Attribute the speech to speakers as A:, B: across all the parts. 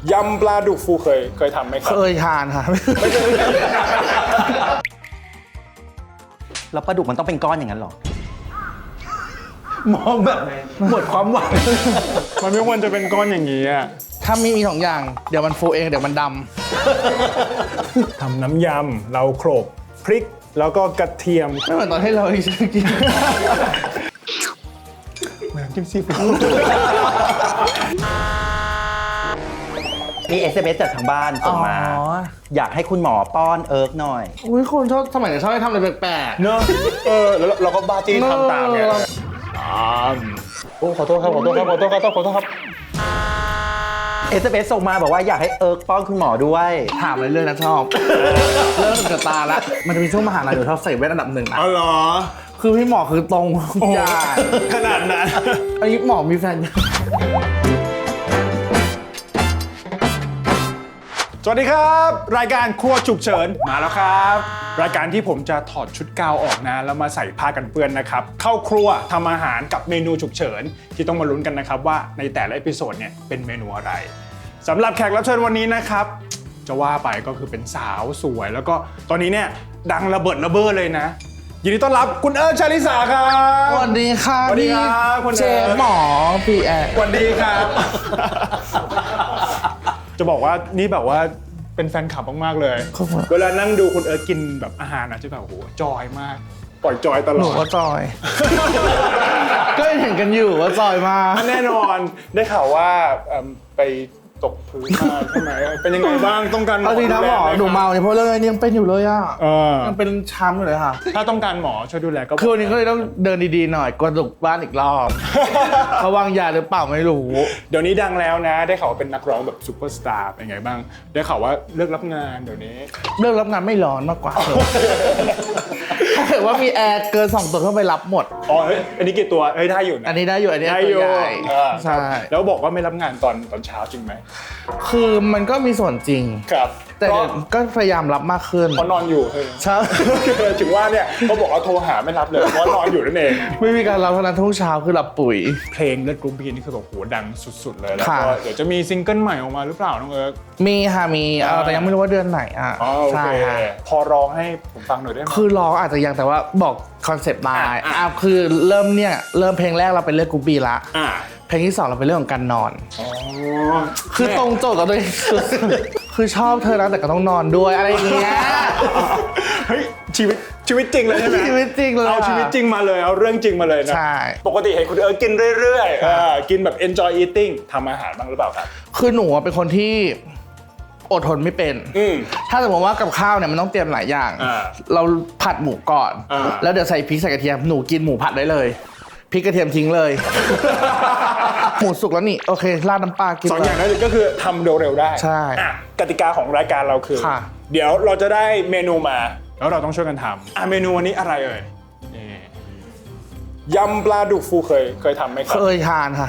A: ยำปลาดุกฟูเคยทำไหมครับ
B: เคยทานค่ะ
C: แล้วปลาดุกมันต้องเป็นก้อนอย่างนั้นหรอมองแบบหมดความหวัง
A: มันไม่ควรจะเป็นก้อนอย่างนี้อ่ะ
B: ถ้ามี2 อย่างเดี๋ยวมันฟูเองเดี๋ยวมันด
A: ทำน้ำยำเราโขลกพริกแล้วก็กระเทียม
B: ำไม่เหมือนตอนที่เรากิน
A: เหมือนกินซีฟู้ด
C: มี SMS จากทางบ้านส่งมา อยากให้คุณหมอป้อนเอิร์กหน่อย
B: อุ้ยคนชอบสมัยนี้ชอบให้ทำอะไรแปลก
A: เนอะแล้วเราก็บ้าจี้ทำตามไงโอ้ขอโทษครับ
C: SMS ส่งมาบอกว่าอยากให้เอิร์กป้อนคุณหมอด้วย
B: ๆถามเรื่อยๆนะชอบ เริ่มจะตาละมันจะมีช่วงมหาลัยเดี๋ยวชอบใส่แว่นอันดับ 1นะ
A: อ๋อเหรอ
B: คือพี่หมอคือตรงทุกอย่าง
A: ขนาดนั้น
B: อันนี้หมอมีแฟนยัง
A: สวัสดีครับ รายการครัวฉุกเฉินมาแล้วครับ รายการที่ผมจะถอดชุดกาวออกนะแล้วมาใส่ผ้ากันเปื้อนนะครับเข้าครัวทำอาหารกับเมนูฉุกเฉินที่ต้องมาลุ้นกันนะครับว่าในแต่ละเอพิโซดเนี่ยเป็นเมนูอะไรสำหรับแขกรับเชิญวันนี้นะครับจะว่าไปก็คือเป็นสาวสวยแล้วก็ตอนนี้เนี่ยดังระเบิดระเบ้อเลยนะยินดีต้อนรับคุณเอิร์ธ ชาลิสาครับ
B: สวัสดีค่ะ
A: สวัสดีครับคุณ
B: เชฟหมอพี่แอร์
A: สวัสดีครับ จะบอกว่านี่แบบว่าเป็นแฟนคลับมากๆเลยเวลานั่งดูคุณเอิร์ธกินแบบอาหารนะจะแบบโอ้โหจอยมากปล่อยจอยตลอด
B: หนูก็จอย ก็เห็นกันอยู่ว่าจอยมาก
A: แน่นอนได้ข่าวว่าไปตกพื้นมาใช่ไหมเป็นยังไงบ้างต้องการหมอ
B: เอาดีนะหมอหนูเมาเนี่ยเพราะเรื่องนี้ยังเป็นอยู่เลยอ่ะ
A: ยั
B: ยังเป็นช้ำอยู่เลยค่ะ
A: ถ้าต้องการหมอช่วยดูแลก็
B: คือวันนี้ก็เลยต้องเดินดีๆหน่อยกระดุกบ้านอีกรอบ เขาวางยาหรือเปล่าไม่รู้
A: เดี๋ยวนี้ดังแล้วนะได้ข่าวว่าเป็นนักร้องแบบซูเปอร์สตาร์เป็นไงบ้างได้ข่าวว่าเลิกรับงานเดี๋ยวนี้
B: เรื่องรับงานไม่ร้อนมากกว่าถ้าเกิดว่ามีแอร์เกิน2 ตัวเข้าไปรับหมด
A: อ๋อเฮ้ยอันนี้กี่ตัวเฮ้ยได้อยู่นะ
B: อันนี้ได้อยู่อันนี้
A: ได้
B: ตั
A: อยู่
B: วใหญ่
A: ใช่
B: ใช่
A: แล้วบอกว่าไม่รับงานตอนเช้าจริงไหม
B: คือมันก็มีส่วนจริง
A: ครับ
B: แต่ก็พยายามรับมากขึ้น
A: เพราะนอนอยู่เฮ้ย
B: ใช่
A: ถึงว่าเนี่ยเขาบอกว่าโทรหาไม่รับเลยเพราะว่านอนอยู่นั่นเอง
B: ไม่มีการรับเท่านั้นทุกเช้าคือหลับปุ๋ย
A: เพลงเลือดกรุ๊ปบีนี่คือแบบโหดังสุดๆเลยแล้ว
B: ค่ะ
A: ก็เดี๋ยวจะมีซิงเกิลใหม่ออกมาหรือเปล่าน้องเอิร์ก
B: มีค่ะมีแต่ยังไม่รู้ว่าเดือนไหนอ่ะ
A: อ๋อโอ
B: ใช่
A: เค
B: ค่ะ
A: พอร้องให้ผมฟังหน่อยได้ไหม
B: คือร้องอาจจะยังแต่ว่าบอกคอนเซปต์มา
A: อ่ะ
B: คือเริ่มเพลงแรกเราเป็นเรื่องกูบีละ
A: อ่า
B: เพลงที่2เราเป็นเรื่องของการนอน
A: อ๋อ
B: คือตรงโจทย์กับตัวเองคือชอบเธอนะแต่ก็ต้องนอนด้วยอะไรอย่างเงี้ย
A: เฮ้ยชีวิตจริงเลยใช่ไหม
B: ชีวิตจริงเลย
A: เอาชีวิตจริงมาเลยเอาเรื่องจริงมาเลยนะ
B: ใช่
A: ปกติเห็นคุณเอิร์กกินเรื่อยๆกินแบบ enjoy eating ทำอาหารบ้างหรือเปล่าครับ
B: คือหนูอะเป็นคนที่อดทนไม่เป็น ถ้าสมมติว่ากับข้าวเนี่ยมันต้องเตรียมหลายอย่าง เราผัดหมูก่อน แล้วเดี๋ยวใส่พริกใส่กระเทียม หนูกินหมูผัดได้เลย พริกกระเทียมทิ้งเลย หมูสุกแล้วนี่โอเคราดน้ำปลากิน
A: 2 อย่างนั้นก็คือทำเร็วๆได้
B: ใช่
A: อ่ะกติกาของรายการเราคือ
B: ค่ะ
A: เดี๋ยวเราจะได้เมนูมาแล้วเราต้องช่วยกันทำเมนูวันนี้อะไรเอ่ยนี่ยำปลาดุกฟูเคยทำไหมครับ
B: เคยทานค่ะ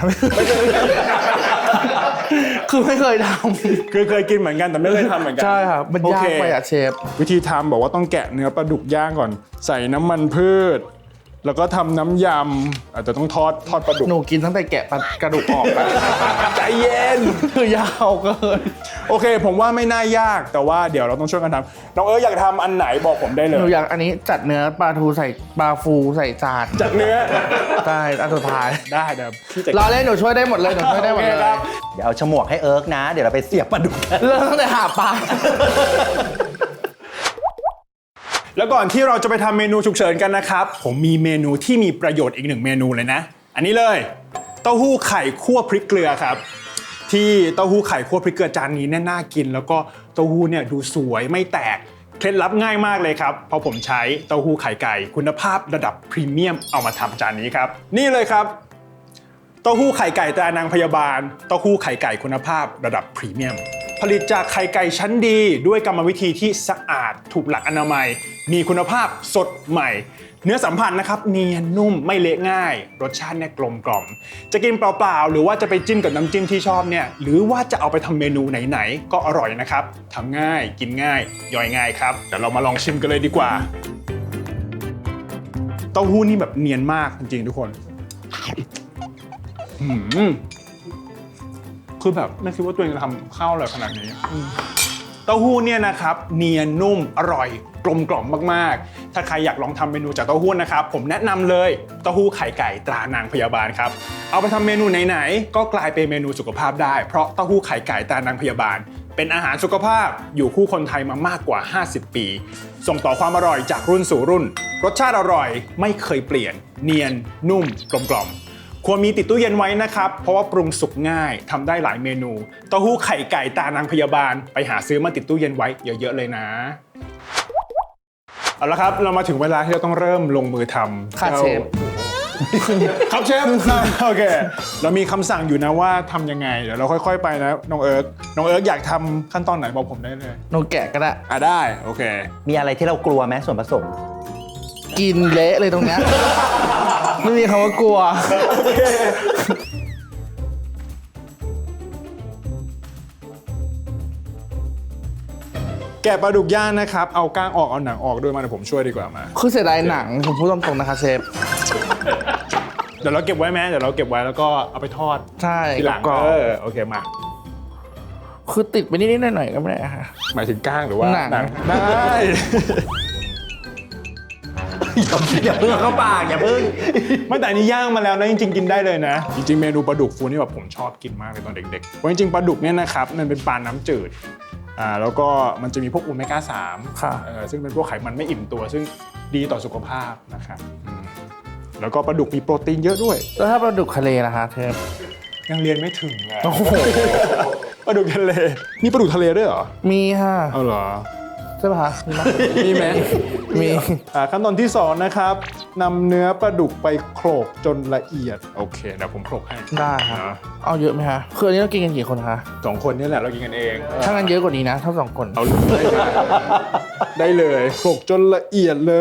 B: คือไม่เคยท
A: คือเคยกินเหมือนกันแต่ไม่เคยทำเหมือนกั
B: ำใช่ค่ะมันยากไปอะเชฟ
A: วิธีทำบอกว่าต้องแกะเนื้อปลาดุกย่างก่อน ใส่น้ำมันพืช แล้วก็ทำน้ำยำอาจจะต้องทอดปลาดุก
B: หนูกินตั้งแต่แกะกระดูกออกแล้ว
A: ใจเย็น
B: คือยาวเกิน
A: โอเค ผมว่าไม่น่ายากแต่ว่าเดี๋ยวเราต้องช่วยกันทำน้องเอิร์ธอยากทำอันไหนบอกผมได้เล
B: หนู
A: ย
B: อยากอันนี้จัดเนื้อปลาทูใส่ปลาฟูใส่จาน
A: จากเนื้อ
B: ใช่อันสุดท้าย
A: ได้เดี๋ยวพี่จะ
B: รอเล่นหนูช่วยได้หมดเลยหนูช่วยได้หมดเลย
A: โอเคครับ
C: เดี๋ยวเอาฉมวกให้เอิร์กนะ เดี๋ยวเราไปเสียบปลาดุกกัน
B: เริ่มตั้งแต่หาปลา
A: แล้วก่อนที่เราจะไปทำเมนูฉุกเฉินกันนะครับ ผมมีเมนูที่มีประโยชน์อีก1เมนูเลยนะ อันนี้เลยเต้าหู้ไข่คั่วพริกเกลือครับ ที่เต้าหู้ไข่คั่วพริกเกลือจานนี้เนี่ยน่ากิน แล้วก็เต้าหู้เนี่ยดูสวยไม่แตกเคล็ดลับง่ายมากเลยครับเพราะผมใช้เต้าหู้ไข่ไก่คุณภาพระดับพรีเมียมเอามาทำจานนี้ครับนี่เลยครับเต้าหู้ไข่ไก่ตรานางพยาบาลเต้าหู้ไข่ไก่คุณภาพระดับพรีเมียมผลิตจากไข่ไก่ชั้นดีด้วยกรรมวิธีที่สะอาดถูกหลักอนามัย มีคุณภาพสดใหม่ เนื้อสัมผัสนะครับเนียนนุ่มไม่เละง่าย รสชาติเนี่ยกลมกล่อมจะกินเปล่าๆหรือว่าจะไปจิ้มกับน้ำจิ้มที่ชอบเนี่ยหรือว่าจะเอาไปทำเมนูไหนๆก็อร่อยนะครับทำง่ายกินง่ายย่อยง่ายครับเดี๋ยวเรามาลองชิมกันเลยดีกว่าเต้าหู้นี่แบบเนียนมากจริงๆทุกคนคือแบบไม่คิดว่าตัวเองจะทำข้าวอร่อยขนาดนี้เต้าหู้เนี่ยนะครับเนียนนุ่มอร่อยกลมกล่อมมากๆถ้าใครอยากลองทำเมนูจากเต้าหู้นะครับผมแนะนำเลยเต้าหู้ไข่ไก่ตรานางพยาบาลครับเอาไปทำเมนูไหนๆก็กลายเป็นเมนูสุขภาพได้เพราะเต้าหู้ไข่ไก่ตรานางพยาบาลเป็นอาหารสุขภาพอยู่คู่คนไทยมามากกว่า50 ปีส่งต่อความอร่อยจากรุ่นสู่รุ่นรสชาติอร่อยไม่เคยเปลี่ยนเนียนนุ่มกลมกล่อมควรมีติดตู้เย็นไว้นะครับเพราะว่าปรุงสุกง่ายทำได้หลายเมนูเต้าหู้ไข่ไก่ตานางพยาบาลไปหาซื้อมาติดตู้เย็นไว้เยอะๆเลยนะเอาละครับเรามาถึงเวลาที่เราต้องเริ่มลงมือทำ
B: ค่ะเชฟ
A: ครับเชฟโอเคเรามีคำสั่งอยู่นะว่าทำยังไงเดี๋ยวเราค่อยๆไปนะน้องเอิร์กอยากทำขั้นตอนไหนบอกผมได้เลย
B: หนูแกะก็ได้
A: ได้โอเค
C: มีอะไรที่เรากลัวไหมส่วนผสม
B: กินเละเลยตรงเนี้ย ไม่มีคำว่ากลัว
A: แกะปลาดุกย่างนะครับเอาก้างออกเอาหนังออกด้วยมาเดี๋ยวผมช่วยดีกว่ามา
B: คือเสียดายหนังผมพูดตรงๆนะคะเชฟ
A: เดี๋ยวเราเก็บไว้ไหมเดี๋ยวเราเก็บไว้แล้วก็เอาไปทอด
B: ใช่
A: ทีหลัง
B: กรอบ
A: โอเคมา
B: คือติดไปนิดๆหน่อยๆก็ไม่ได้ค่ะ
A: หมายถึงก้างหรือว่า
B: หนัง
A: ได้
C: อย่าเพิ่งเข้าปากอย่าเพิ่ง
A: ไม่แต่อันนี้ย่างมาแล้วนะจริงๆกินได้เลยนะจริงๆเมนูปลาดุกฟูนี่แบบผมชอบกินมากเลยตอนเด็กๆเพราะจริงๆปลาดุกเนี่ยนะครับมันเป็นปลาน้ำจืดแล้วก็มันจะมีพวกโอเมก้า3
B: ค่ะ
A: ซึ่งเป็นพวกไขมันไม่อิ่มตัว ซึ่งดีต่อสุขภาพนะครับแล้วก็ปลาดุกมีโปรตีนเยอะด้วย
B: แล้วถ้าปลาดุกทะเลนะคะเชฟ
A: ยังเรียนไม่ถึงเลย
B: โอ้โห
A: ปลาดุกทะเลนี่ปลาดุกทะเลด้วยเหรอ
B: มีค่ะ
A: เอาเหรอ
B: ใช่ป่ะคะมีไหม
A: มีไหม
B: มี
A: ขั้นตอนที่2นะครับนำเนื้อปลาดุกไปโขลกจนละเอียดโอเคเดี๋ยวผมโขลกให้
B: ได้ค่ะ
A: นะ
B: เอาเยอะไหมคะคืออันนี้เรากินกันกี่คนคะ
A: 2 คนนี่แหละเรากินกันเอง
B: ถ้างั้นเยอะกว่านี้นะถ้า2 คน
A: เอาเลยได้เลยโขลกจนละเอียดเลย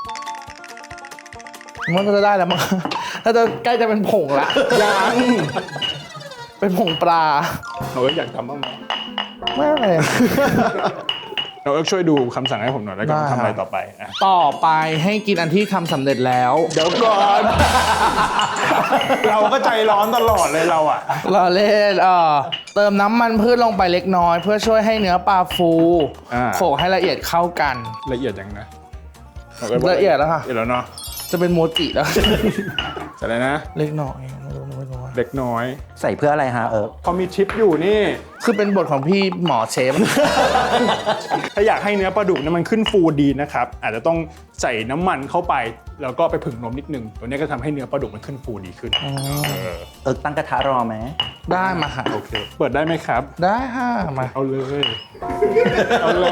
B: มันก็จะได้แล้วมั้ง ถ้าจะใกล้จะเป็นผงละ
A: ยัง
B: เป็นผงปลา
A: เราอยากทำบ้างไหม
B: ไม่เลย
A: เราช่วยดูคำสั่งให้ผมหน่อยแล้วกัน
B: ได้
A: ทำอะไรต่อไปอ่ะ
B: ต่อไปให้กินอันที่ทำสำเร็จแล้ว
A: เดี๋ยวก่อน เราก็ใจร้อนตลอดเลยเราอ่ะ
B: เราเล่นเติมน้ำมันพืชลงไปเล็กน้อย เพื่อช่วยให้เนื้อปลาฟู
A: อ่า
B: โขลกให้ละเอียดเข้ากัน
A: ละเอียดยังนะ
B: ละเอียดแล้วค่ะ
A: ละเอียดแล้วเนาะ
B: จะเป็นโมจิแล้ว
A: เสร็จแล้วนะ
B: เล็กน้อยไม่รู้ว่า
A: เล็กน้อย
C: ใส่เพื่ออะไรฮะ
A: พอมีชิปอยู่นี่
B: คือเป็นบทของพี่หมอเชฟ
A: ถ้าอยากให้เนื้อปลาดุกเนี่ยมันขึ้นฟูดีนะครับ อาจจะต้องใส่น้ำมันเข้าไป แล้วก็ไปผึ่งนมนิดนึง ตัวนี้ก็ทำให้เนื้อปลาดุกมันขึ้นฟูดีขึ้น
C: ตั้งกระทะรอไหม
B: ได้มาค่ะ
A: โอเค เปิดได้ไหมครับ
B: ได้ค่ะมา
A: เอาเลย เอาเลย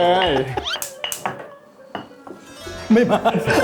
C: ไม่มา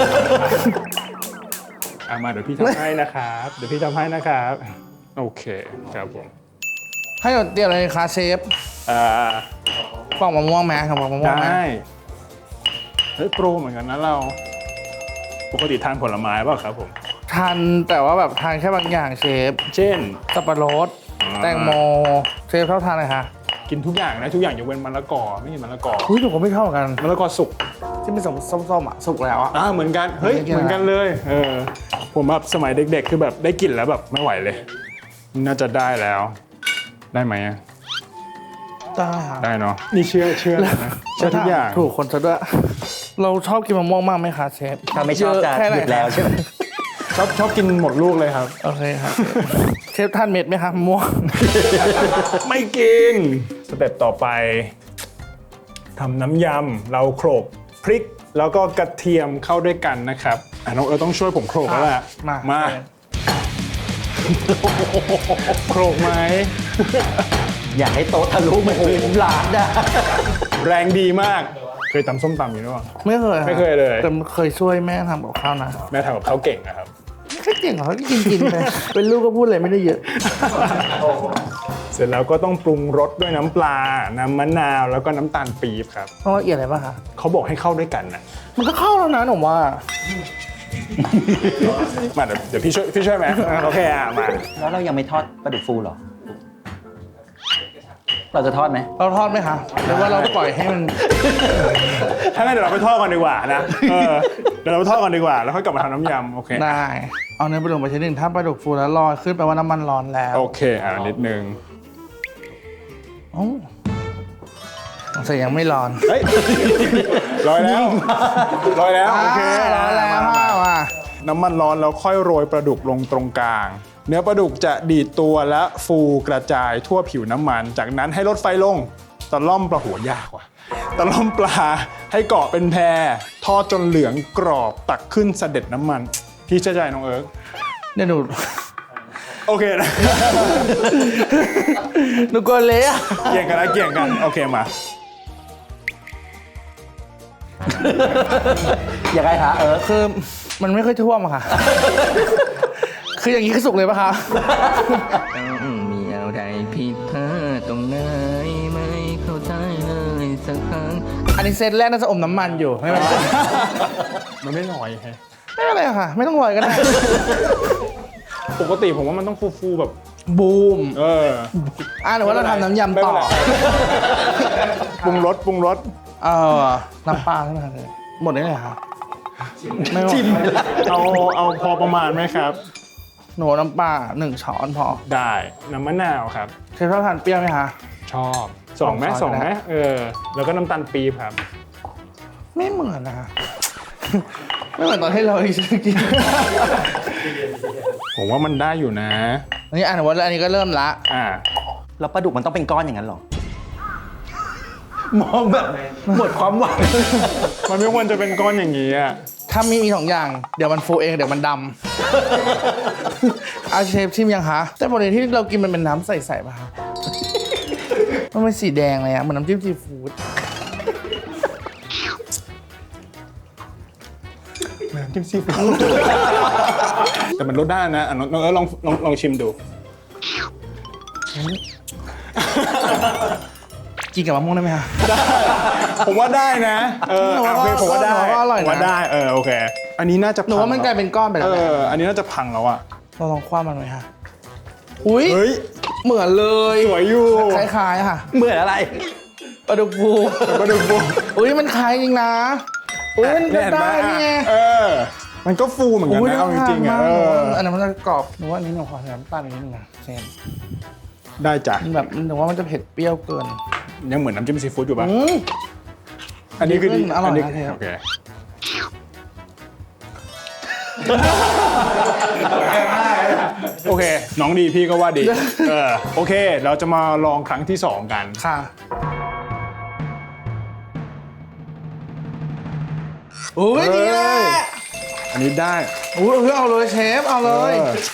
A: มาเดี๋ยวพี่ทำให้นะครับ เดี๋ยวพี่ทำให้นะครับ โอเคครับผม
B: ให้หนูเตรียมอะไรคะเชฟ
A: อ่า
B: ปอกมะม่วงไหมครับปอกมะม่วงไหม
A: ได้เฮ้ยโปรเหมือนกันนะเรา ปกติทานผลไม้เปล่าครับผม
B: ทานแต่ว่าแบบทานแค่บางอย่างเชฟ
A: เช่น
B: สับปะรด แตงโมเชฟชอบทานอะไรคะ
A: กินทุกอย่างนะทุกอย่างยกเว้นมะละกอไม่กินมะละกอ
B: อุ้ยหนูก็ไม่ชอบเหมือนกัน
A: มะละกอสุก
B: ที่เป็นส้มๆอ่ะสุกแล้วอ่ะ
A: เหมือนกัน เฮ้ย
B: ไม่กิน
A: เหมือนกันเลย ผมแบบสมัยเด็กๆ คือแบบได้กลิ่นแล้วแบบไม่ไหวเลย น่าจะได้แล้ว ได้ไหมอะ
B: ได้ค่ะ
A: ได้เนาะ นี่เชื่อนะเชื่อทุกอย่าง
B: ถูกคนซะด้วย เราชอบกินมะม่วงมากไหมคะเชฟ
C: ถ้าไม่ชอบจะ
B: เยแค่ไหน
C: หยุดแล้วใช่ไหม
A: ชอบกินหมดลูกเลยครับ
B: โอเคครับเชฟทานเม็ดไหมครับมะม่วง
A: ไม่กิน สเต็ปต่อไปทำน้ำยำ เราโขลกพริก แล้วก็กระเทียมเข้าด้วยกันนะครับน้องต้องช่วยผมโขลกแล้วแหละ
B: มา
A: โขลกไหม
C: อยากให้โต๊ะทะลุเหมือนพื้นร้านนะ
A: แรงดีมาก เคยตำส้มตำอยู่หรือเปล่า
B: ไม่เคย
A: ไม่เคยเลย
B: แต่เคยช่วยแม่ทำกับข้าวนะ
A: แม่ทำกับเขาวเก่งนะครับ
B: แค่เก่งเหรอเขากินไป เป็นลูกก็พูดอะไรไม่ได้เยอะ
A: เสร็จแล้วก็ต้องปรุงรสด้วยน้ำปลา น้ำมะนาว แล้วก็น้ำตาลปี๊บครับ
B: ต้องละเอียดอะไรป่ะคะ
A: เขาบอกให้เข้าด้วยกันนะ
B: มันก็เข้าแล้วนะหนูว่า
A: มาเดี๋ยวพี่ช่วยไหมโอเคมา
C: แล้วเรายังไม่ทอดปลาดุกฟูเหรอ เราจะทอดไหม
B: เราทอดไหมคะหรือว่าเราปล่อยให้มัน
A: ถ้างั้นเดี๋ยวเราไปทอดกันดีกว่านะเดี๋ยวเราไปทอดกันดีกว่า แล้วค่อยกลับมาทำน้ำยำโอเค
B: ได้ เอาเนื้อปลาดุกไปชิ้นหนึ่งถ้าปลาดุกฟูแล้วลอยขึ้นแปลว่าน้ำมันร้อนแล้ว
A: โอเคนิดนึง
B: โอ้สงสัยยังไม่ร้อน
A: เฮ้ยลอยแล้วลอยแล้วโอเค
B: ร้อนแล้ว
A: มา
B: ว่า
A: น้ำมันร้อนแล้วค่อยโรยปลาดุกลงตรงกลาง เนื้อปลาดุกจะดีดตัวและฟูกระจายทั่วผิวน้ำมัน จากนั้นให้ลดไฟลงตะล่อมปลาหัวยากว่ะตะล่อมปลาให้เกาะเป็นแพรทอดจนเหลืองกรอบตักขึ้นเสด็จน้ำมันพี่เชื่อใจน้องเอิร์ก
B: เนี่ยหนู
A: โอเคนะ
B: หนูกลัวเละอะ
A: เกี่ยงกันนะเกี่ยงกันโอเคมา
C: ยังไงคะ
B: คือมันไม่ค่อยท่วมอะค่ะ คืออย่างนี้คือสุกเลยปะคะ
D: มีอะไรผิดพลาดตรงไหนไม่เข้าใจเลยสักครั้ง
B: อันนี้เซตแรกน่าจะอมน้ำมันอยู่ไม่เป็นไร
A: มันไม่ลอยไง
B: ไม่เป็นไรค่ะ ไม่ต้องลอยก็ได้
A: ปกติผมว่ามันต้องฟูๆแบบ
B: บูม
A: ห
B: รือว่าเราทำน้ำยำต่อ
A: ปรุงรสปรุงรส
B: น้ำปลาใช่ไหมคะหมดได้เลยค่ะไม่หมด
A: เอาพอประมาณไหมครับ
B: หนูน้ำปลา1 ช้อนพอ
A: ได้น้ำมะนาวครับ
B: เคยชอบทานเปรี้ยวไหมคะ
A: ชอบสองไหม
B: ส
A: ส
B: อ
A: อง ง
B: ช้อน
A: ไหมแล้วก็น้ำตาลปี๊บครับ
B: ไม่เหมือนนะคะ ไม่เหมือนตอนที่เรากิน
A: ผมว่ามันได้อยู่นะ
B: นี่อ่านว่าอันนี้ก็เริ่มละ
C: แล้วปลาดุกมันต้องเป็นก้อนอย่างนั้นเหรอ มองแบบหมดความหวัง
A: มันไม่ควรจะเป็นก้อนอย่างนี้อ่ะ
B: ถ้ามี2 อย่าง เดี๋ยวมันฟูเองเดี๋ยวมันดำ อาเชฟชิมยังคะ แต่ปกติที่เรากินมันเป็นน้ำใสๆป่ะคะ มันเป็นสีแดงเลยอะเหมือนน้ำจิ้มซีฟู้ด
A: น้ำจิ้มซีฟู้ดแต่มันรสได้นะน้องลองชิมดู
B: กินกับมะม่วงได้ไหมคะ
A: ผมว่าได้นะโอเคผมว่าได้
B: หนูว่าอร่อยนะ
A: ผมว่าได้โอเค อันนี้น่าจะ
B: หนูว่ามันกลายเป็นก้อนไปแล้วแหละ
A: อันนี้น่าจะพังแล้วอ่ะ
B: เราลองคว้ามันไหมคะอุ้ย
A: เฮ้ย
B: เหมือนเลย
A: สวยอยู่
B: คล้ายๆค่ะ
C: เหมือนอะไร
B: ปลาดุกฟู
A: มาดูฟู
B: อุ้ยมันคล้ายจริงนะ อุ้ยมันก็
A: เห็นไหม
B: ได้นี่ไง
A: มันก็ฟูเหมือนกัน
B: อุ้ย
A: นะเอาจริงๆ
B: น่า
A: อ่ะ
B: ทานมากอันนั้นมันจะกรอบหนูว่าอันนี้หนูขอใส่น้ำตาลนิดนึงนะเชน
A: ได้จ้ะ
B: มันแบบหนูว่ามันจะเผ็ดเปรี้ยวเกิน
A: ยังเหมือนน้ำจิ้มซีฟู้ดอยู่ป่ะ
B: อืม
A: อันนี้คือดี
B: อร่อยนะ
A: นี้
B: เชฟ
A: โอเคโอเค น้องดีพี่ก็ว่าดีโอเค เราจะมาลองครั้งที่ 2 กัน
B: ค่ะอุ้ยนี่แหละ
A: อันนี้ได้
B: อุ้ยเอาเลยเชฟเอาเลย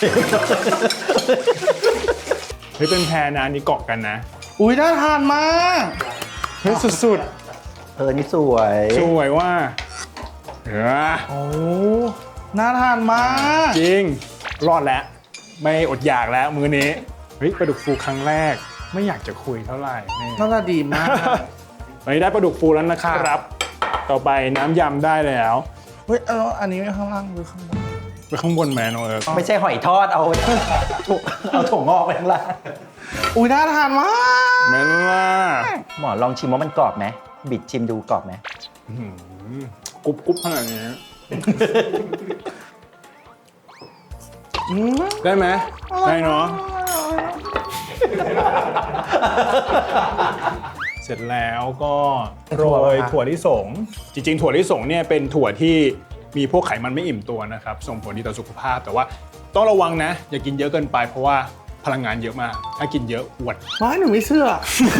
A: เฮ้ยเป็นแพรนะอันนี้เกาะกันนะ
B: อุ้ยน่าทานมาก
A: เฮ้ยสุด
C: นี่สวย
A: ๆสวยว่า
B: โอ้น่าทานมาก
A: จริง รอดแล้ว ไม่อดอยากแล้วมื้อนี้ เฮ้ยปลาดุกฟูครั้งแรก ไม่อยากจะคุยเท่าไหร่นี่
B: น่าจะดีมาก
A: วันนี้ได้ปลาดุกฟูแล้วนะครับ ต่อไปน้ำยำได้แล้ว
B: เฮ้ยอันนี้ไม่ข้างล่างหรือข้างบน
A: ไปข้างบนแมนเออ
C: ไม่ใช่หอยทอด เอาถั่วงอกไปข้างล่าง
B: อุ้ยน่าทานมาก
A: แมนล่ะ
C: หมอลองชิมว่ามันกรอบไหมบิดชิมดูกรอบไหม
A: กรุบขนาดนี้ ได้ไหมได้เนาะ เสร็จแล้วก็โรยถั่วลิสง จริงๆ ถั่วลิสงเนี่ยเป็นถั่วที่มีพวกไขมันไม่อิ่มตัวนะครับ ส่งผลดีต่อสุขภาพ แต่ว่าต้องระวังนะ อย่ากินเยอะเกินไปเพราะว่าพลังงานเยอะมาก ถ้ากินเยอะอวด
B: ไม่หนูไม่เชื่อ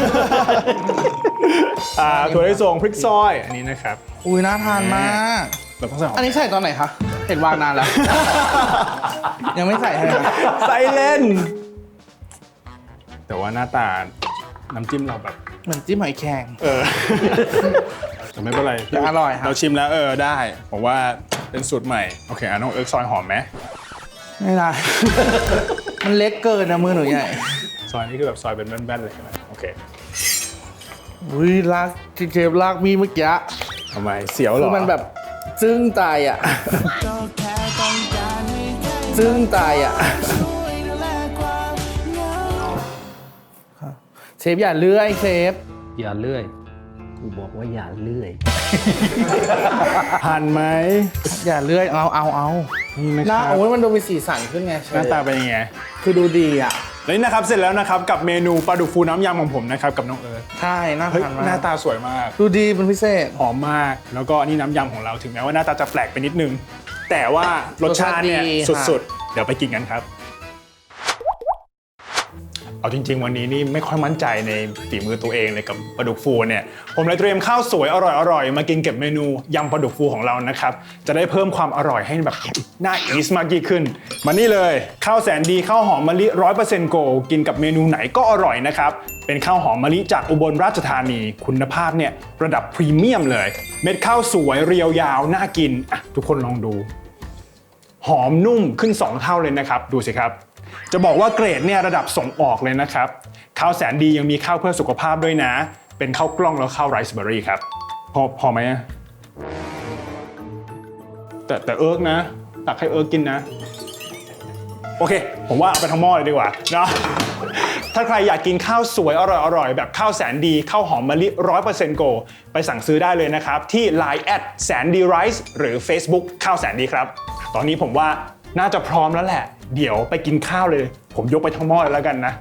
A: ถั่วลิสงพริกซอยอันนี้นะครับ
B: อุ้ยน่าทานมาก
A: เราต้องใส่หอม
B: อันนี้ใส่ตอนไหนคะ เห็นวางนานแล้ว ยังไม่ใส่ใช่ไหมคะ
A: ใส่เล่น แต่ว่าหน้าตาน้ำจิ้มเราแบบ
B: เหมือนจิ้มหอยแครง
A: แต่ไม่เป็นไร
B: แต่อร่อยครับ
A: เราชิมแล้วได้ผมว่าเป็นสูตรใหม่โอเคน้องเอิร์กซอยหอมไหม
B: ไม่ได้ มันเล็กเกินนะมือหนูใหญ่
A: ซอยนี้คือแบบซอยเป็นแบนๆเลยใช่ไหมโอเค
B: อุ้ยลากที่เชฟลากมีเมื่อกี้
A: ทำไมเสียวเหร
B: คือ
A: อ
B: มันแบบซึ้งตายอ่ะ ซึ้งตายอ่ะ เชฟอย่าเลื่อยเชฟ
C: อย่าเลื่อย กูบอกว่าอย่าเลื่อย
A: หั่นไหม
B: อย่าเลื่อยเอา
A: เนี่นะ
B: ห
A: ค
B: น้า
A: รับ
B: โอ้ยมันดูมีสีสันขึ้นไง
A: หน้าตาเป็นยังไง
B: คือดูดีอ่ะ
A: แล้วนี่นะครับเสร็จแล้วนะครับกับเมนูปลาดุกฟูน้ำยำของผมนะครับกับน้องเอิร์ธ
B: ใช่น่า
A: เฮ้ย
B: ทานมา
A: หน้าก ตาสวยมาก
B: ดูดีเป็นพิเศษ
A: หอมมากแล้วก็นี่น้ำยำของเราถึงแม้ว่าหน้าตาจะแปลกไปนิดนึง แต่ว่ารสชาติเนี่ย
B: รสชาติดีค่ะ
A: สุดๆ เดี๋ยวไปกินกันครับ เอาจริงๆ วันนี้นี่ไม่ค่อยมั่นใจในฝีมือตัวเองเลยกับปลาดุกฟูเนี่ยผมเลยเตรียมข้าวสวยอร่อยๆมากินเก็บเมนูยำปลาดุกฟูของเรานะครับจะได้เพิ่มความอร่อยให้แบบน่าอีสมากยิ่งขึ้นมานี่เลยข้าวแสนดีข้าวหอมมะลิ 100% โกกินกับเมนูไหนก็อร่อยนะครับเป็นข้าวหอมมะลิจากอุบลราชธานีคุณภาพเนี่ยระดับพรีเมียมเลยเม็ดข้าวสวยเรียวยาวน่ากินอ่ะทุกคนลองดูหอมนุ่มขึ้น2เท่าเลยนะครับดูสิครับจะบอกว่าเกรดเนี่ยระดับส่งออกเลยนะครับข้าวแสนดียังมีข้าวเพื่อสุขภาพด้วยนะเป็นข้าวกล้องแล้วข้าวไรซ์เบอร์รี่ครับพอไหมอะแต่เอิร์กนะตักให้เอิร์กกินนะโอเคผมว่าเอาไปทั้งหม้อเลยดีกว่าเนาะถ้าใครอยากกินข้าวสวยอร่อยๆแบบข้าวแสนดีข้าวหอมมะลิ 100% โกไปสั่งซื้อได้เลยนะครับที่ Line แสนดีไรซ์หรือ Facebook ข้าวแสนดีครับตอนนี้ผมว่าน่าจะพร้อมแล้วแหละเดี๋ยวไปกินข้าวเลยผมยกไปทั้งหม้อเลยแล้วกันนะ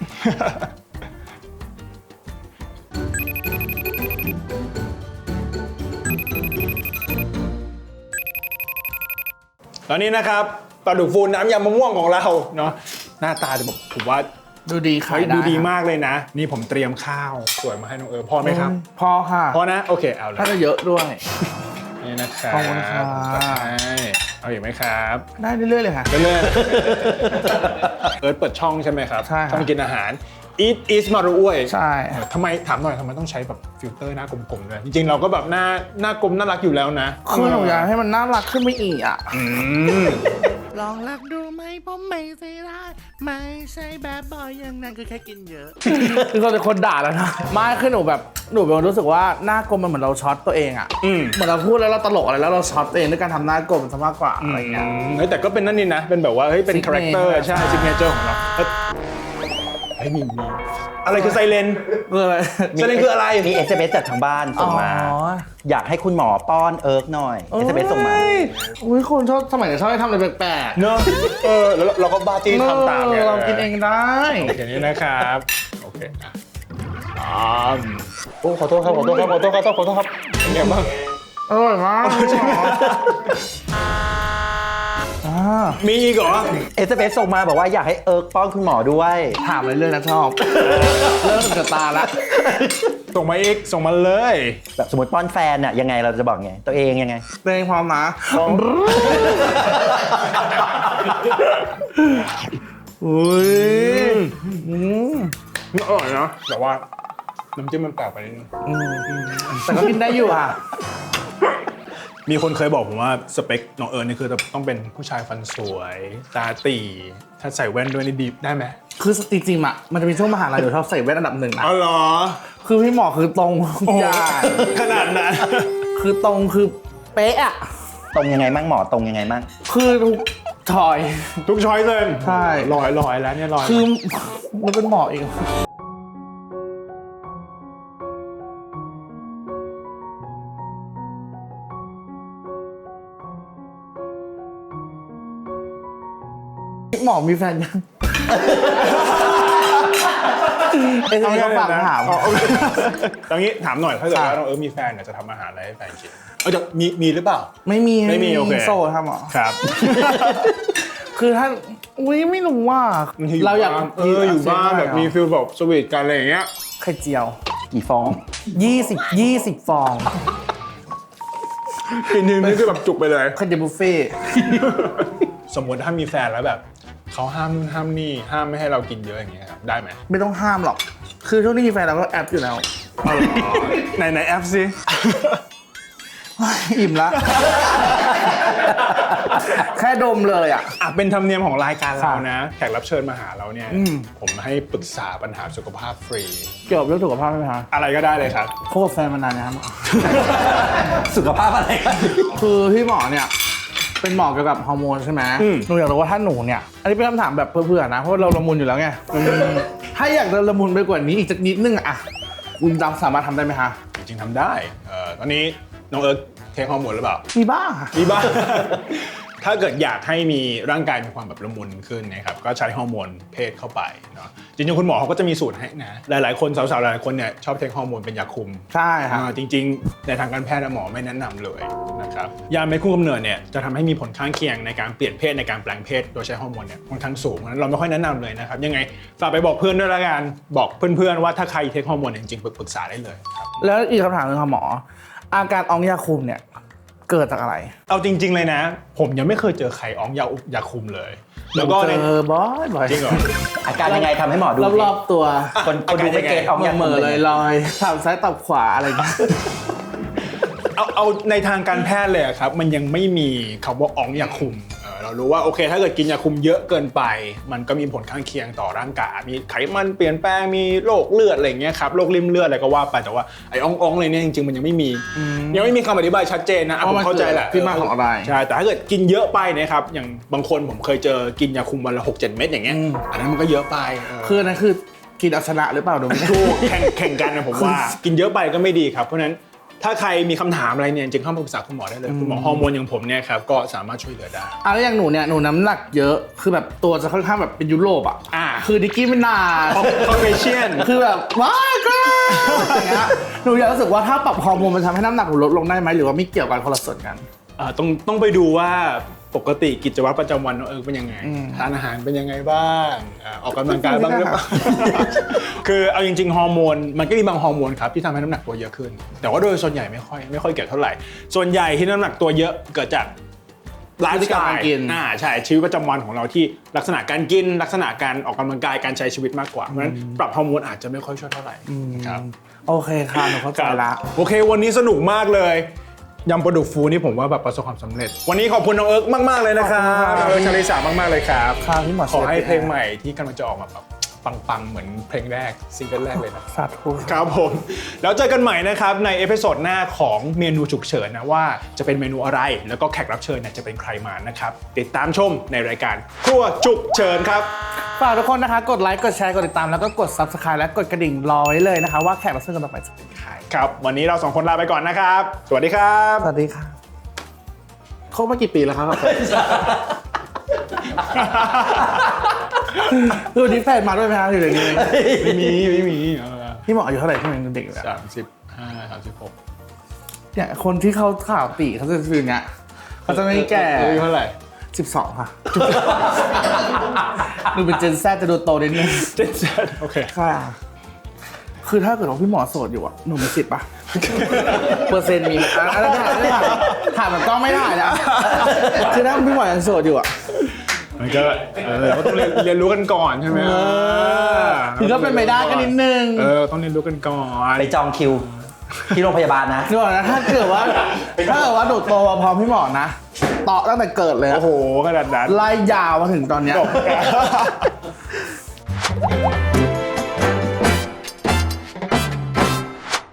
A: ตอนนี้นะครับปลาดุกฟูน้ำยำมะม่วงของเราเนาะหน้าตาจะบอกผมว่า
B: ดูดีขายได้
A: ดูดีมากเลยนะ นี่ผมเตรียมข้าวสวยมาให้น้องเอิร์ธพอไหมครับ
B: พอค่ะ
A: พอนะโอเคเอาเลย
B: ถ้าจะเยอะด้วย
A: นี่นะครับ
B: ขอบคุณครับ
A: จัดให้เอาอีกไหมครับ
B: ได้เรื่อยๆเลยค่ะ
A: เรื่อยๆ เอิร์ธเปิดช่องใช่ไหมครับ
B: ใช่ครับ
A: ช่องกินอาหาร Eat is มารุอ้วย
B: ใช่
A: ทำไมถามหน่อยทำไมต้องใช้แบบฟิลเตอร์หน้ากลมๆด้วยจริงๆเราก็แบบหน้ากลมน่ารักอยู่แล้วนะ
B: คือหนูอยากให้มันน่ารักขึ้นไปอีกอ่ะ
A: อืม
B: ลองรักดูไหมผมไม่ใช่ได้ไม่ใช่แบบบอยอย่างนั้นคือแค่กินเยอะ คือคนด่าแล้วนะไม่คือหนูแบบหนูเป็นคนรู้สึกว่าหน้ากลมมันเหมือนเราช็อตตัวเองอ่ะเหมือนเราพูดแล้วเราตลกอะไรแล้วเราช็อตตัวเองด้วยการทำหน้ากลมซะมากกว่าอะไรเงี้ย
A: เฮ้ยแต่ก็เป็นนั่นนี่นะ เป็นแบบว่าเฮ้ยเป็นคาแรคเตอร์
B: Signature
A: ใช่ซิกเนเจอร์ของเราเฮ้ยมีอะไรคือไซเลน
B: คืออะไร
A: ไซเลนคืออะไร
C: มี SMS จากทางบ้านส่งมา
B: อ๋อ
C: อยากให้คุณหมอป้อนเอิร์กหน่อย SMS ส่งมา
B: อุ้ยคนชอบสมัยนี้ชอบให้ทำอะไรแปลกๆ
A: เนอะแล้วเราก็บ้าจี้ทำตามไง
B: เรากินเองได้
A: อย่างนี้นะครับโอเคโอ้ขอโทษครับเป็นไงบ้าง
B: อร่อยมาก
A: มีอีกเหรอ
C: SMS ส่งมาบอกว่าอยากให้เอิร์กป้อนคุณหมอด้วย
B: ถามเรื่อยๆนะชอบ เริ่มเกิดตาละ
A: ส่งมาอีกส่งมาเลย
C: แบบสมมติป้อนแฟนน่ะยังไงเราจะบอกไง ตัวเองยังไง
B: เร่งพร้อมนะอุ้ย
A: มันอร่อยนะแต่ว่าน้ำจิ้มมันแปลกไปนิดนึง
B: แต่ก็กินได้อยู่อ่ะ
A: มีคนเคยบอกผมว่าสเปคน้องเอิร์ธนี่คือต้องเป็นผู้ชายฟันสวยตาตีถ้าใส่แว่นด้วยนี่ดีได้ไหม
B: คือจริงๆอ่ะมันจะมีช่วงมหาลัยอยู่ชอบใส่แว่นอันดับหนึ่งนะ
A: อ๋อเหรอ
B: คือพี่หมอคือตรงทุกอย่าง
A: ขนาดนั้น
B: คือตรงคือเป๊ะอ่ะ
C: ตรงยังไงมั่งหมอตรงยังไงมั่ง
B: คือทุกถอย
A: ทุกช้อยเลย
B: ใช่
A: ลอยแล้วเนี่ยลอย
B: คือมันเป็นหมอเองหมอมีแฟนยังเขาฝากถาม
A: ตอนนี้ถามหน่อยถ้าเกิดว่าน้องเอิร์ธมีแฟนเนี่ยจะทำอาหารอะไรให้แฟนกินจะมีหรือเปล่า
B: ไม่มี
A: โอเค
B: โซ่ทำหรอ
A: ครับ คือ
B: คือถ้าอุ้ยไม่รู้ว่า
A: เราอยากอยู่บ้านแบบมีฟิลแบบสวีทกันอะไรอย่างเงี้ย
B: ไข่เจียว
C: กี่ฟอง
B: 20 ฟอง
A: กินทีนี่คือแบบจุกไปเลย
B: ไข่เจียวบุฟเฟ่ต์
A: สมมติถ้ามีแฟนแล้วแบบเขาห้ามนู่นห้ามนี่ห้ามไม่ให้เรากินเยอะอย่างเงี้ยครับได้ไหม
B: ไม่ต้องห้ามหรอก คือช่วงนี้มีแฟนเราก็แอปอยู่แล้ว
A: ไหนแอปสิ
B: อิ่มละ แค่ดมเลยอ่ะ
A: เป็นธรรมเนียมของรายการเรานะแขกรับเชิญมาหาเราเนี่ยผมให้ปรึกษาปัญหาสุขภาพฟรี
B: เกี่ยวกับเรื่องสุขภาพไหมคะ
A: อะไรก็ได้เลยครับ
B: คบกับแฟนมานานนะครับ
C: สุขภาพอะไรกัน
B: คือพี่หมอเนี่ย เป็นหมอเกี่ยวกับฮอร์โมนใช่ไหมหนูอยากรู้ว่าถ้าหนูเนี่ย อันนี้เป็นคำถามแบบเพื่อๆนะ เพราะเราละมุนอยู่แล้วไงถ้าอยากจะละมุนไปกว่านี้อีกสักนิดนึงอะคุณสามารถทำได้ไหมคะ
A: จริงๆทำได้ตอนนี้น้องเอิร์ธเทคฮอร์โมนหรือเปล่า
B: มีบ้างค่ะ
A: มีบ้างถ้าเกิดอยากให้มีร่างกายมีความแบบละมุนขึ้นนะครับก็ใช้ฮอร์โมนเพศเข้าไปเนาะจริงๆคุณหมอเขาก็จะมีสูตรให้นะหลายๆคนสาวๆหลายๆคนเนี่ยชอบเทคฮอร์โมนเป็นยาคุม
B: ใช่ครับ
A: จริงๆในทางการแพทย์หมอไม่แนะนำเลยนะครับยาเม็ดคุมกำเนิดเนี่ยจะทำให้มีผลข้างเคียงในการเปลี่ยนเพศในการแปลงเพศโดยใช้ฮอร์โมนเนี่ยค่อนข้างสูงเพราะฉะนั้นเราไม่ค่อยแนะนำเลยนะครับยังไงฝากไปบอกเพื่อนด้วยละกันบอกเพื่อนๆว่าถ้าใครเทคฮอร์โมนจริงๆปรึกษาได้เลยครับ
B: แล้วอีกคำถามหนึงค่ะหมอ อาการอองยาคุมเนี่ยเกิดจากอะไร
A: เอาจริงๆเลยนะ ผมยังไม่เคยเจอใครอ้องยาคุมเลย แล้วก็
B: เจอบ่อยๆ
A: จริงเหรอ
C: อาการยังไงทำให้หมอดู
B: รอบๆตัว
C: คนดูไม่เก็ตออก
B: เหม่อๆลอยๆถามซ้ายตอบขวาอะไรอย่างเงี้ย
A: เอาในทางการแพทย์เลยอะครับมันยังไม่มีคำว่าอ้องยาคุมเรารู้ว่าโอเคถ้าเกิดกินยาคุมเยอะเกินไป มันก็มีผลข้างเคียงต่อร่างกายมีไขมันเปลี่ยนแปลงมีโรคเลือดอะไรอย่างเงี้ยครับโรคริ่มเลือดอะไรก็ว่าไปแต่ว่าไอ้อ้องๆเลยเนี่ยจริงๆมันยังไม่มีคำอธิบายชัดเจนนะผมเข้าใจแหละ
B: ที่มาของอะไร
A: ใช่แต่ถ้าเกิดกินเยอะไปนะครับอย่างบางคนผมเคยเจอกินยาคุมวันละ 6-7 เม็ดอย่างเงี้ยอันนั้นมันก็เยอะไป
B: คืออันนั้นคือกินเอาชนะหรือเปล่าดูไม่ถูก
A: แข่งกันนะผมว่ากินเยอะไปก็ไม่ดีครับเพราะฉะนั้นถ้าใครมีคำถามอะไรเนี่ยจริงเข้ามาปรึกษาคุณหมอได้เลยคุณหมอฮอร์โมนอย่างผมเนี่ยครับก็สามารถช่วยเหลือได้
B: แล้วอย่างหนูเนี่ยหนูน้ำหนักเยอะคือแบบตัวจะค่อนข้างแบบเป็นยุโรปอ่ะ คือดิกกี้ไม่นาน
A: คอเฟเชียน
B: คือแบบว้ายก็อย่างเงี้ยหนูอยากรู้สึกว่าถ้าปรับฮอร์โมนมันทำให้น้ำหนักหนูลดลงได้ไหมหรือว่าไม่เกี่ยวกันคนละส่วนกัน
A: ต้องไปดูว่าปกติกิจวัตรประจำวันเป็นยังไงทานอาหารเป็นยังไงบ้างออกกำลังกายบ้างหรือเปล่า คือเอาจริงๆฮอร์โมนมันก็มีบางฮอร์โมนครับที่ทำให้น้ำหนักตัวเยอะขึ้น แต่ว่าโดยส่วนใหญ่ไม่ค่อยเกี่ยวเท่าไหร่ส่วนใหญ่ที่น้ำหนักตัวเยอะเกิดจากไลฟ์สไตล์ใช่ชีวิตประจำวันของเราที่ลักษณะการกินลักษณะการออกกำลังกายการใช้ชีวิตมากกว่าเพราะฉะนั้นปรับฮอร์โมนอาจจะไม่ค่อยช่วยเท่าไหร่ครับ
B: โอเคค่ะหนูเข้าใจละ
A: โอเควันนี้สนุกมากเลยยำปลาดุกฟูนี่ผมว่าแบบประสบความสำเร็จวันนี้ขอบคุณน้องเอิร์กมากๆเลยนะครับน้องเอิร์กชลิสามากๆเลยครับ
B: ค่ะพี่หมอ
A: ขอให้เพลงใหม่ที่กำลังจะออกมาแบบปังๆเหมือนเพลงแรกซิงเกิลแรกเลยนะ
B: สาธุ
A: ครับผมแล้วเจอกันใหม่นะครับในเอพิโซดหน้าของเมนูฉุกเฉินนะว่าจะเป็นเมนูอะไรแล้วก็แขกรับเชิญเนี่ยจะเป็นใครมานะครับติดตามชมในรายการครัวฉุกเฉินครับ
B: ฝากทุกคนนะคะกดไลค์กดแชร์กดติดตามแล้วก็กด Subscribe และกดกระดิ่งรอไว้เลยนะคะว่าแขกรับเชิญคนต่อไปจะเป็นใคร
A: ครับวันนี้เราสองคนลาไปก่อนนะครับสวัสดีครับ
B: สวัสดีค่ะคบมากี่ปีแล้วครับคือวันนี้แฟนมาด้วยไหมครับอยู่ในนี้
A: ไม่มี
B: พี่หมออายุเท่าไหร่ที่เป็นเด็กอยู่แล้ว
A: 35-36
B: เนี่ยคนที่เขาข่าวตีเขาจะเป็นอย่างเงี้ยเขาจะไม่แก่
A: อายุเท่าไหร่
B: 12 ค่ะดูเป็นเจนแซจะดูโตนิดนึง
A: 77โอเค
B: ค่ะ คือถ้าเกิดว่าพี่หมอโสดอยู่อ่ะหนูมีสิทธิ์ปะ เปอร์เซ็นต์มีอะไรถามแบบกล้องไม่ได้นะคือถ้าพี่หมอยังโสดอยู่อ่ะ
A: มันก็เราก็ต้องเรียนรู้กันก่อนใช่ไหม
B: คือก็เป็นไปได้กันนิดนึง
A: ต้องเรียนรู้กันก่อน
C: ไปจองคิวที่โรงพยาบาลนะ
B: นึกออกนะถ้าเกิดว่าหนูโตมาพร้อมพี่หมอนะต่อตั้งแต่เกิดเลยอะ
A: โอ้โหขนาดนั้น
B: ไล่ยาวมาถึงตอนเนี้ย
A: จบ